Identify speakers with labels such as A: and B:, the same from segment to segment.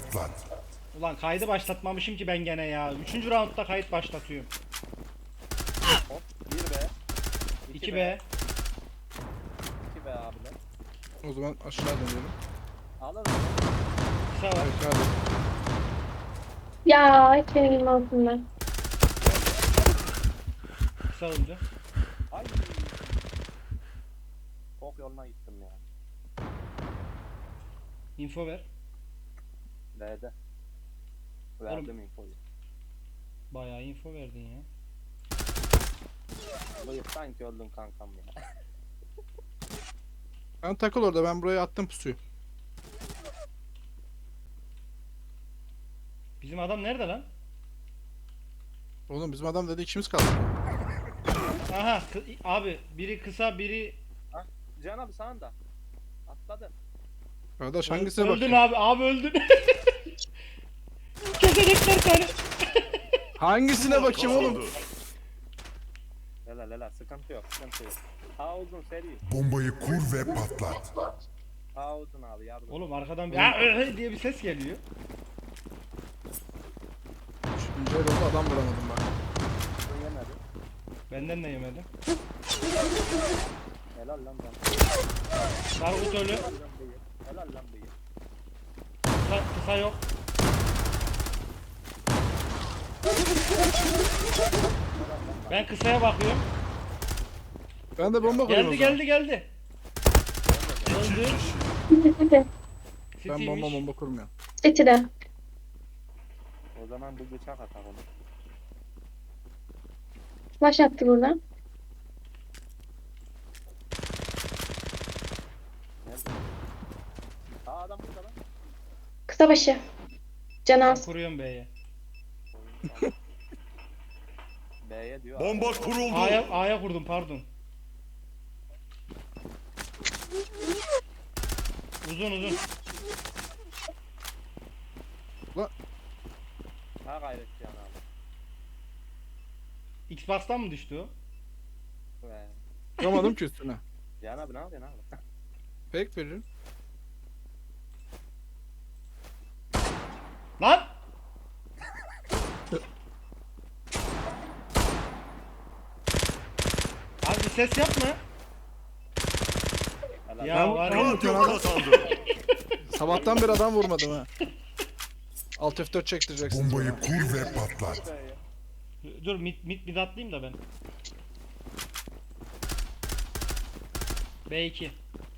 A: patlat.
B: Ulan kaydı başlatmamışım ki ben gene ya. 3. roundda kayıt başlatıyorum.
C: Hop 1B.
B: 2B.
C: 2B abiler.
D: O zaman aşağı dönelim.
C: Alın.
B: Kısa var.
D: Peki hadi.
E: Ya hiç benim elim altında.
B: Kısa öldü.
C: Ay. Çok yoluna gittim ya.
B: Info ver.
C: B'de. Verdim infoyu.
B: Bayağı info verdin ya.
C: Bıyık sanki öldün kankam ya.
D: Sen takıl orada, ben buraya attım pusuyu.
B: Bizim adam nerede lan?
D: Oğlum bizim adam dedi ikimiz kaldı.
B: Aha abi biri kısa biri
C: Can abi sağında. Atladı.
D: Kardeş hangisine
B: öldün
D: bakayım?
B: abi öldün. Kesecekler seni.
D: Hangisine bakayım oğlum?
C: Helal sıkıntı yok sıkıntı yok. A uzun seri.
A: Bombayı kur ve patlat.
C: A uzun abi yardım.
B: Oğlum arkadan bir diye bir ses geliyor.
D: Üçüncü el oldu, adam vuramadım bak.
C: Uzun yemedi.
B: Benden de yemedi.
C: Helal lan can.
B: Sargut ölü.
C: Helal lan bıyık. Helal lan bıyık.
B: Kısa yok. Ben kısaya bakıyorum.
D: Ben de bomba koyayım o
B: Geldi
D: zaman.
B: geldi. Öldü.
D: Ben
B: City'ymiş.
D: bomba kurmuyorum.
E: City'de.
C: O zaman bu bıçak atak onu.
E: Flash attı burada.
C: Nerede? Aa adam burada lan.
E: Kısa başı. Can
B: Ben
E: az.
B: kuruyorum B'ye.
C: B'ye diyor.
A: Bomba kuruldu.
B: A'ya kurdum pardon. Uzun.
C: Ha gayret can abi.
B: Xbox'tan mı düştü o?
C: Ve
D: Vuramadım ki üstüne.
C: Can abi ne yapıyorsun abi?
D: Fake veririm.
B: Lan! Abi bir ses yapma.
C: Helal.
B: Ya var ya.
A: Radyo kazandı.
D: Sabahtan beri adam vurmadım ha. Alt F4 çektireceksiniz
A: Bombayı
D: bana.
A: kur ve patlat.
C: B'ye.
B: Dur mid atlayayım da ben. B2.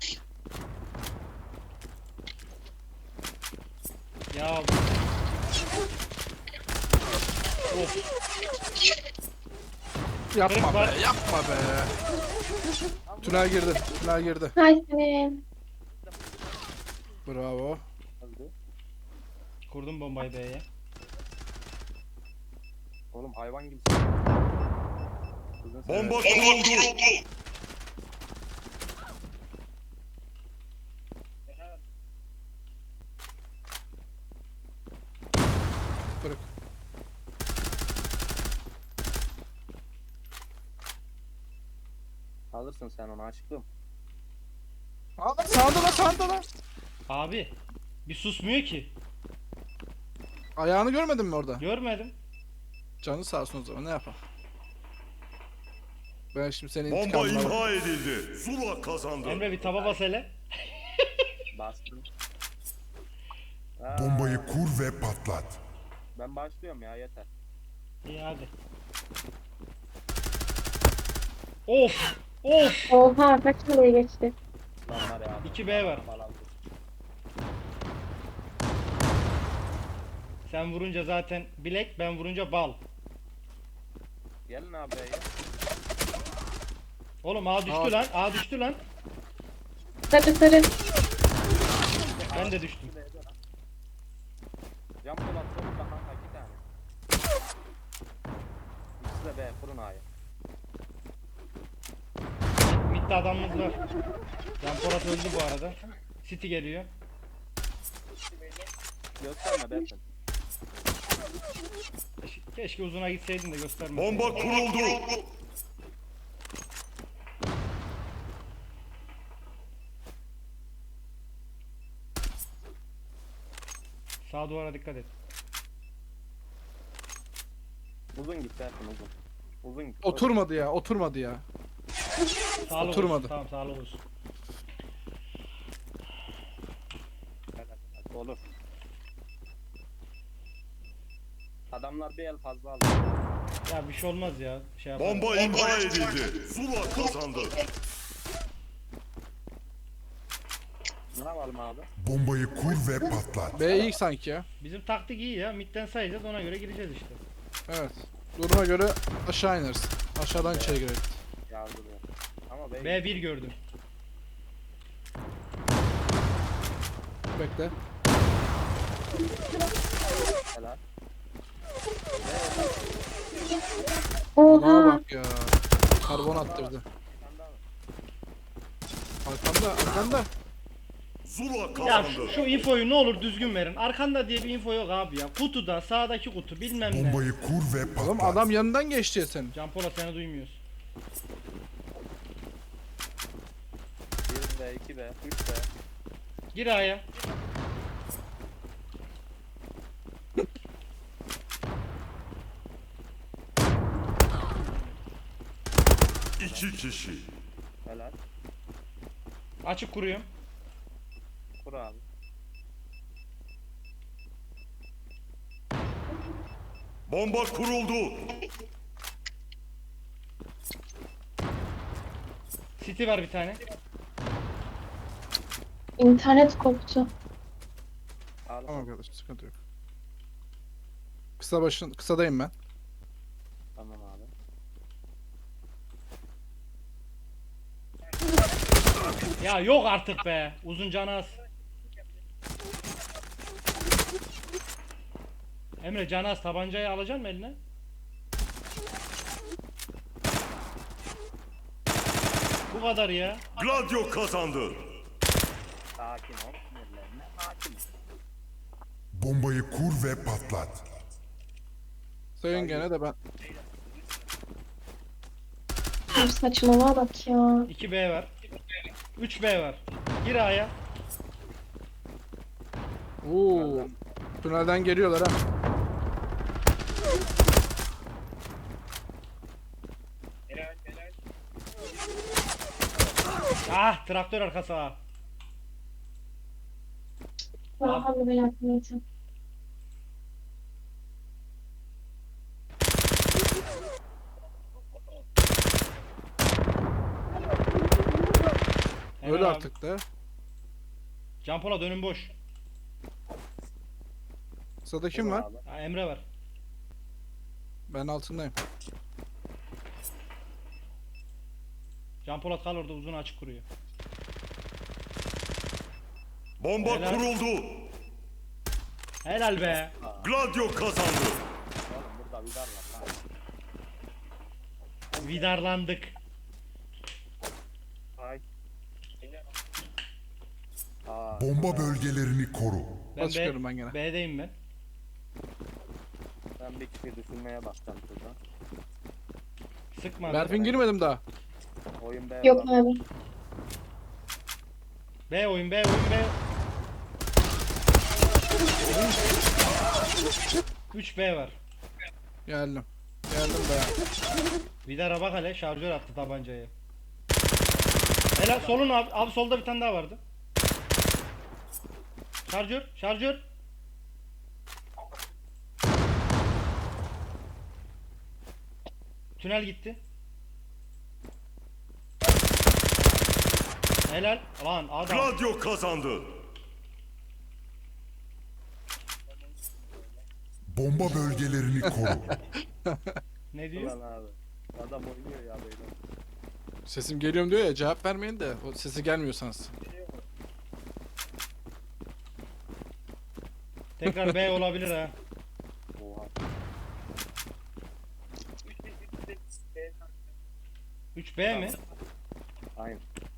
B: Ya of.
D: Yapma
B: Var.
D: be, yapma be. Tünel girdi.
E: Hay senin.
D: Bravo.
C: Öldü.
B: Kurdum bombayı B'ye.
C: Oğlum hayvan gibi. Uzun
A: Bomba
C: seri.
A: kuruldu.
D: Bırak.
C: Alırsın sen onu aşkım.
D: Aa, sağda lan.
B: Abi bir susmuyor ki.
D: Ayağını görmedin mi orada?
B: Görmedim.
D: Canı sağ olsun o zaman, ne yapalım? Ben şimdi senin
A: Bomba
D: intikamını alırım.
A: imha edildi. Zula kazandı.
B: Emre bir taba bas hele.
C: Bastım.
A: Bombayı kur ve patlat.
C: Ben başlıyorum ya yeter.
B: İyi hadi. Of! Of!
E: Oha kaç kaleye geçti.
C: Lan var ya.
B: 2B var.
C: Bal aldı.
B: Sen vurunca zaten bilek, ben vurunca bal.
C: Gelin abi B'ye.
B: Oğlum A düştü
D: Aa.
B: lan. A düştü lan.
E: Sarı.
B: Ben de düştüm.
C: Cam polat solunda kanka 2 tane. İkisi de B kurun A'ya.
B: Mid'de adamımız var. Can Polat öldü bu arada. City geliyor.
C: Gösterme Bersin.
B: Keşke uzuna gitseydin de göstermeseydin.
A: Bomba kuruldu.
B: Sağ Sağ duvara dikkat et.
C: Uzun git Berfin uzun. Uzun git.
D: Oturmadı ya, oturmadı ya.
B: Sağlık
D: Oturmadı.
B: olsun. Tamam sağlık olsun.
C: Hadi, olur. Adamlar bir el fazla aldı.
B: Ya bir şey olmaz ya. Şey yapalım.
A: Bomba imha edildi. Zula kazandı.
C: Ne yapalım abi?
A: Bombayı kur ve patlat.
D: B ilk sanki ya.
B: Bizim taktik iyi ya. Midden sayacağız ona göre gireceğiz işte.
D: Evet. Duruma göre aşağı ineriz. Aşağıdan içeri gireriz.
C: Yardırıyor. Ama bey.
B: B1 gördüm.
D: Bekle.
C: Helal.
D: Adama
E: Oha.
D: bak ya. Karbon attırdı.
C: Bir tane daha var.
D: Arkanda, arkanda.
A: Zula
B: Ya
A: kazandı.
B: şu infoyu ne olur düzgün verin. Arkanda diye bir info yok abi ya. Kutuda sağdaki kutu bilmem ne.
A: Bombayı kur ve patlat.
D: Oğlum adam yanından geçti ya senin.
B: Can Polat seni duymuyoruz.
C: 1 B, 2 B, 3 B.
B: Gir A'ya.
A: İki kişi.
C: Helal.
B: Açık kuruyorum.
C: Kur abi.
A: Bomba kuruldu.
B: City var bir tane.
E: İnternet koptu.
C: Al.
D: Tamam kardeşim, sıkıntı yok. Kısadayım ben.
C: Tamam abi.
B: Ya yok artık be. Uzun canı az. Emre canı az, tabancayı alacaksın mı eline? Bu kadar ya.
A: Gladio kazandı.
C: Sakin ol. Sinirlenme. Sakin ol.
A: Bombayı kur ve patlat.
D: Sayın gene de ben.
E: Bir saçmalığa bak ya.
B: 2B var. 3B var. Gir A'ya.
D: Oo. Tünelden geliyorlar ha.
B: Ah, traktör arkası A.
E: Vallahi ben yapmayacağım.
B: Hemen
D: Öyle
B: abi.
D: artık da.
B: Can Polat önüm boş.
D: Sırada kim
C: Kur
D: var?
C: abi.
B: Ha, Emre var.
D: Ben altındayım.
B: Can Polat kal orada, uzun açık kuruyor.
A: Bomba
B: Helal.
A: kuruldu.
B: Helal be.
A: Gladio kazandı.
C: Oğlum burada vidar var lan.
B: Vidarlandık.
C: Ay. Aa,
A: Bomba bölgelerini koru.
B: Ben
D: Çıkıyorum ben gene.
B: B'deyim ben.
C: ben bir kişi düşünmeye başladım şurada.
B: Sıkma.
D: Berfin girmedim daha.
C: Oyun B
E: Yok
C: var.
E: abi.
B: B oyun, B oyun, B. 3B var.
D: Geldim. Geldim be.
B: Vidara bak hele, şarjör attı tabancayı. Helal, solun abi. Abi solda bir tane daha vardı. Şarjör, şarjör. Tünel gitti. Helal. Lan adam.
A: Gladio kazandı. Bomba bölgelerini koru.
B: Ne diyor?
C: Ulan abi. Adam oynuyor ya böyle.
D: Sesim geliyorum diyor ya, cevap vermeyin de o sesi gelmiyorsanız.
B: Tekrar B olabilir ha.
C: Oha.
B: 3B mi?
C: Aynen.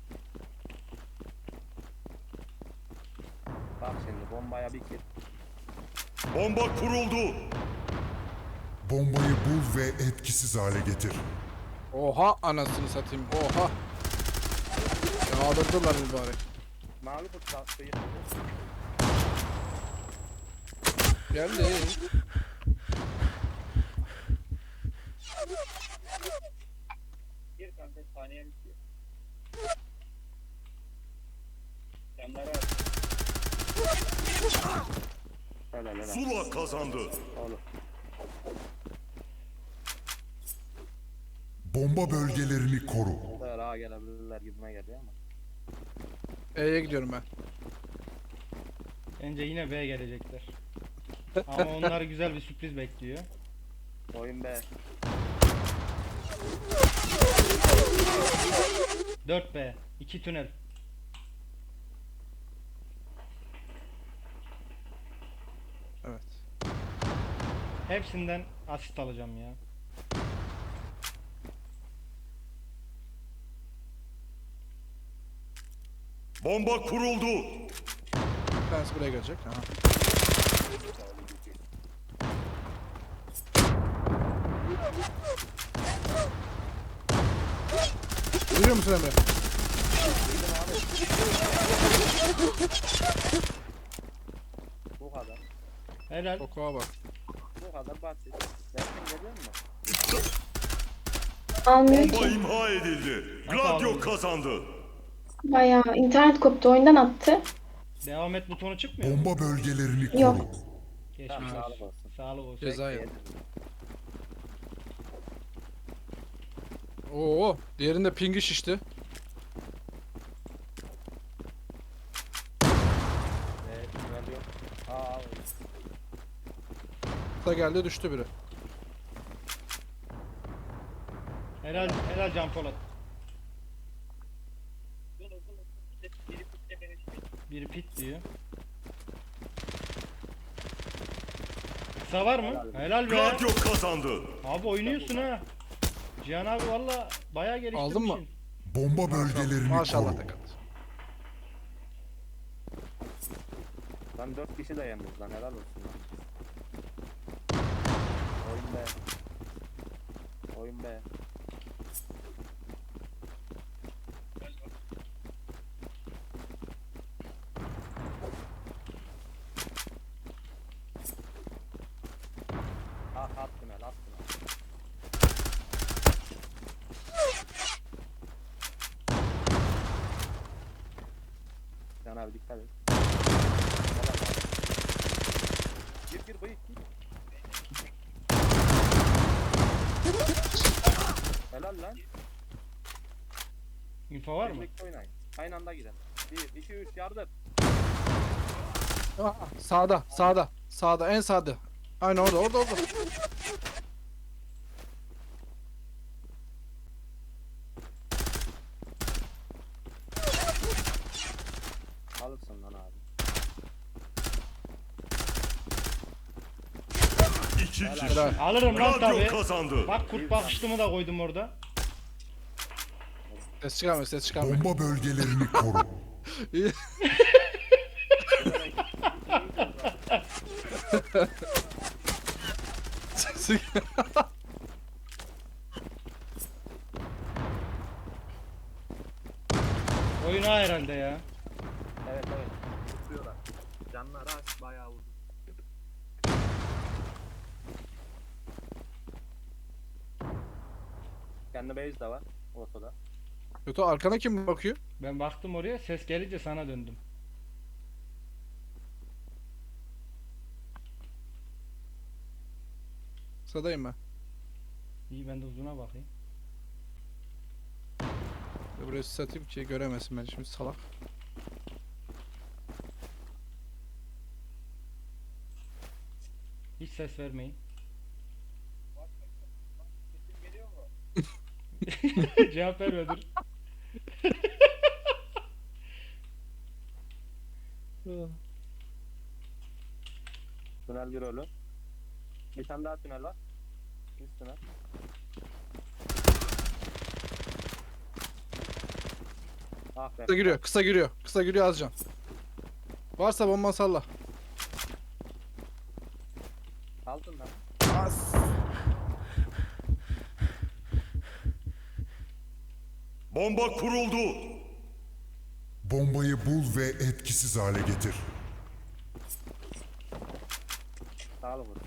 C: Bak şimdi bombaya bir kill.
A: Bomba kuruldu. Bombayı bul ve etkisiz hale getir.
D: Oha anasını satayım. Oha. Yağdırdılar mübarek.
C: Mavi kurt kalktı.
D: Geldi.
C: Bir kanka saniye bitiyor. Yanlara helal helal.
A: Zula kazandı.
C: Oğlum.
A: Bomba bölgelerini koru.
C: Bu kadar ağa gelebilirler gibime geliyor ama.
D: E'ye gidiyorum ben.
B: Bence yine B gelecekler. Ama onlar güzel bir sürpriz bekliyor.
C: Oyun be.
B: 4B. 2 tünel.
D: Evet.
B: Hepsinden asist alacağım ya.
A: Bomba kuruldu.
D: Bir tanesi buraya gelecek. Aha. Duyuyor musun Emre?
C: Bu kadar.
B: Helal.
D: Kokuğa bak.
C: Bu kadar basit. Dersin geliyor mu?
E: Almıyor
A: Bomba
E: ki.
A: imha edildi.
B: Nasıl
A: Gladio
B: aldın?
A: kazandı.
E: Bayağı internet koptu, oyundan attı.
B: Devam et butonu çıkmıyor mu?
A: Bomba bölgelerini koru.
E: Yok.
B: Geçmiş
C: Tamam,
B: olsun.
C: sağlık olsun.
B: Sağlık olsun.
D: Ceza
C: Yedim.
D: yedim. Oo, diğerinde pingi şişti.
C: Tünel yok. Aa,
D: Da geldi düştü biri.
B: Helal, helal Can Polat. Biri pit diyor. Kısa var mı? Helal be.
A: Gladio kazandı.
B: Abi oynuyorsun ha. Cihan abi valla bayağı geliştirmişsin.
D: Aldın mı?
A: Bomba bölgelerini
D: Maşallah
A: koru.
D: da kaldı.
C: lan 4 kişi de yemiyoruz lan helal olsun lan. Oyun be. Oyun be. Ah at tünel at tünel. Can abi dikkat et. Gir bayık gir. Helal lan.
B: Info var mı?
C: Birlikte oynayın. Aynı anda gidelim. 1, 2, 3 yardım.
D: Aa, sağda, sağda, sağda, en sağda. Aynen orada, orada, orada.
C: Alırsın lan abi.
A: 2 kişi.
D: Helal.
B: Alırım lan
A: Gladio
B: tabi.
A: kazandı.
B: Bak kurt bakışlımı da koydum orada.
D: Ses çıkarmıyor, ses çıkarmıyor.
A: Bomba bölgelerini koru.
D: İyi. Sesi-
B: Oyun ha herhalde ya.
C: Evet evet. Tutuyorlar. Canlar aç bayağı vurdu. Kendi base de var ortada.
D: Kötü arkana kim bakıyor?
B: Ben baktım oraya, ses gelince sana döndüm.
D: Kısadayım ben.
B: İyi, ben de uzuna bakayım.
D: Buraya satayım ki göremesin beni şimdi salak.
B: Hiç ses vermeyin.
C: Sesim geliyor mu?
B: Cevap verme dur.
C: Tünel bir ölü. Bir tane daha tünel var. Üst tünel. Ah be.
D: Kısa giriyor, kısa giriyor, kısa giriyor Azcan. Varsa bomba salla.
C: Aldın lan.
D: As.
A: Bomba kuruldu. Bombayı bul ve etkisiz hale getir.
C: Sağ olun.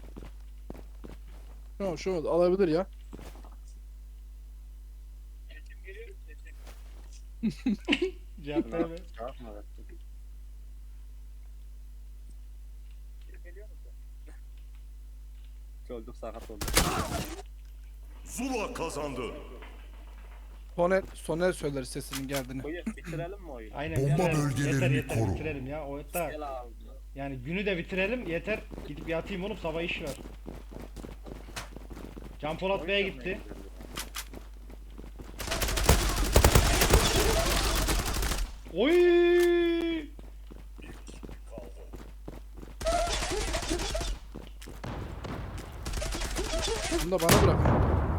D: Şu alabilir ya.
B: Cevap verme.
C: Cevap mı? Öldük sakat olduk.
A: Zula kazandı.
D: Soner söyler sesinin geldiğini.
C: Buyur bitirelim mi oyunu?
B: Aynen.
A: Bomba
B: bitirelim.
A: bölgelerini
B: yeter,
A: koru.
B: bitirelim ya. O da
C: Gel abi.
B: yani günü de bitirelim yeter. Gidip yatayım oğlum sabah iş var. Can Polat Bey'e gitti. Oy!
D: Bunu da bana bırak.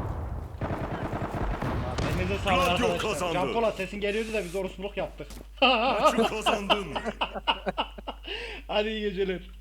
B: Elinize sağlık
A: Radyo
B: arkadaşlar.
A: kazandı.
B: Can Polat sesin geliyordu da biz orospuluk yaptık.
A: Maçı kazandın.
B: Hadi iyi geceler.